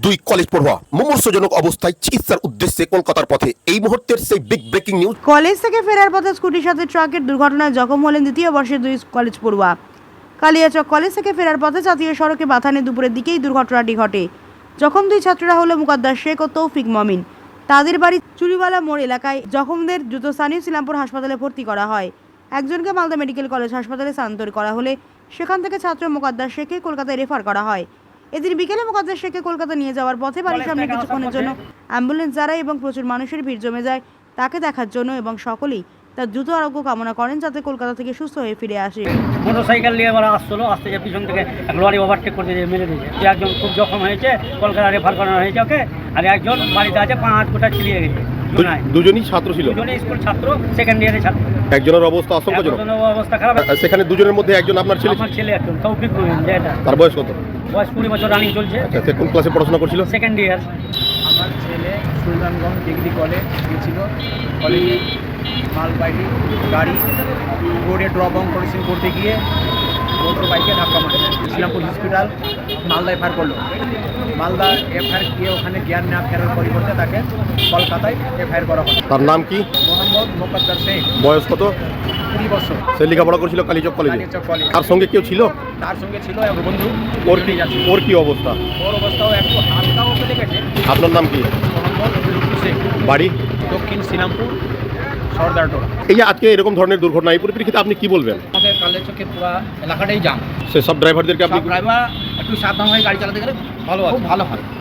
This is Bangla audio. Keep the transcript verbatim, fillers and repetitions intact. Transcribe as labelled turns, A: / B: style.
A: দুই কলেজ পড়ুয়া মুমূর্ষজনক অবস্থায় চিকিৎসার উদ্দেশ্যে কলকাতার পথে। এই মুহূর্তের সেই বিগ ব্রেকিং নিউজ।
B: কলেজ থেকে ফেরার পথে স্কুটির সাথে ট্রাকের দুর্ঘটনায় জখম হলেন দ্বিতীয় বর্ষের দুই কলেজ পড়ুয়া। কালিয়াচক কলেজ থেকে ফেরার পথে জাতীয় সড়কে বাথানে দুপুরের দিকেই দুর্ঘটনাটি ঘটে। জখম দুই ছাত্ররা হলো মুকাদ্দাস শেখ ও তৌফিক মমিন। তাদের বাড়ি চুরিওয়ালা মোড় এলাকায়। জখমদের দ্রুত স্থানীয় শ্রীরামপুর হাসপাতালে ভর্তি করা হয়। একজনকে মালদা মেডিকেল কলেজ হাসপাতালে স্থানান্তর করা হলে সেখান থেকে ছাত্র মুকাদ্দাস শেখকে কলকাতায় রেফার করা হয়। এদিন বিকেলে মুকাদ্দাস শেখকে কলকাতা নিয়ে যাওয়ার পথে বাড়ির সামনে কিছুক্ষণের জন্য অ্যাম্বুলেন্স দাঁড়ায় এবং প্রচুর মানুষের ভিড় জমে যায় তাকে দেখার জন্য, এবং সকলেই তার দ্রুত আরোগ্য কামনা করেন যাতে কলকাতা থেকে সুস্থ হয়ে ফিরে আসে।
C: মোটরসাইকেল নিয়ে ওরা আসছিল, আসতে যে পিছন থেকে এক লরি ওভারটেক করতে যে মেরে দিয়েছে। যে একজন খুব জখম হয়েছে, কলকাতা রেফার করানো হয়েছে ওকে, আর একজন বাড়িতে আছে পা হাত কোটা ছিলিয়ে গেছে।
A: দুজনই ছাত্র ছিল,
C: দুজনেই স্কুল ছাত্র, সেকেন্ড ইয়ারের ছাত্র।
A: একজনের অবস্থা আশঙ্কাজনক,
C: অবস্থা খারাপ।
A: সেখানে দুজনের মধ্যে একজন আপনার ছেলে?
C: আমার ছেলে একজন তৌফিক মমিন, যেটা
A: তার বয়স কত?
C: বয়স কুড়ি বছর রানিং চলছে।
A: আচ্ছা, সে কোন ক্লাসে পড়াশোনা করছিল?
C: Second year.
D: আমার ছেলে সুলতানগঞ্জ ডিগ্রি কলেজ গিয়েছিল, কলেজে মালবাহী গাড়ি রোডে ড্রপ অন করেছেন, করতে গিয়ে মোটর বাইকে ধাক্কা মারে। শ্রীরামপুর হসপিটাল মালদা এফআইআর করলো। মালদা এফআইআর গিয়ে ওখানে জ্ঞান না ফেরার পরিবর্তে তাকে কলকাতায় এফআইআর করা হয়।
A: তার নাম কি?
D: মোহাম্মদ মুকাদ্দাস শেখ।
A: বয়স কত?
D: কুড়ি বছর।
A: সে লেখাপড়া করছিল কালীচক কলেজে।
D: কালীচক কলেজ।
A: তার সঙ্গে কেউ ছিল?
D: তার সঙ্গে ছিল এক বন্ধু।
A: ওর কি ওর কি অবস্থা?
D: ওর অবস্থাও একটু হালকাও চলে গেছে।
A: আপনার নাম কি?
D: মোহাম্মদ লুৎফু শেখ,
A: বাড়ি
D: দক্ষিণ শ্রীরামপুর সর্দারটোলা।
A: এই যে আজকে এরকম ধরনের দুর্ঘটনা, এই পরিপ্রেক্ষিতে আপনি কি বলবেন?
D: আমাদের কালেচকে পুরো এলাকাটাই জাম।
A: সে সব ড্রাইভারদেরকে আপনি
D: ড্রাইভার একটু সাবধান হয়ে গাড়ি চালাতে গেলে ভালো, খুব ভালো হয়।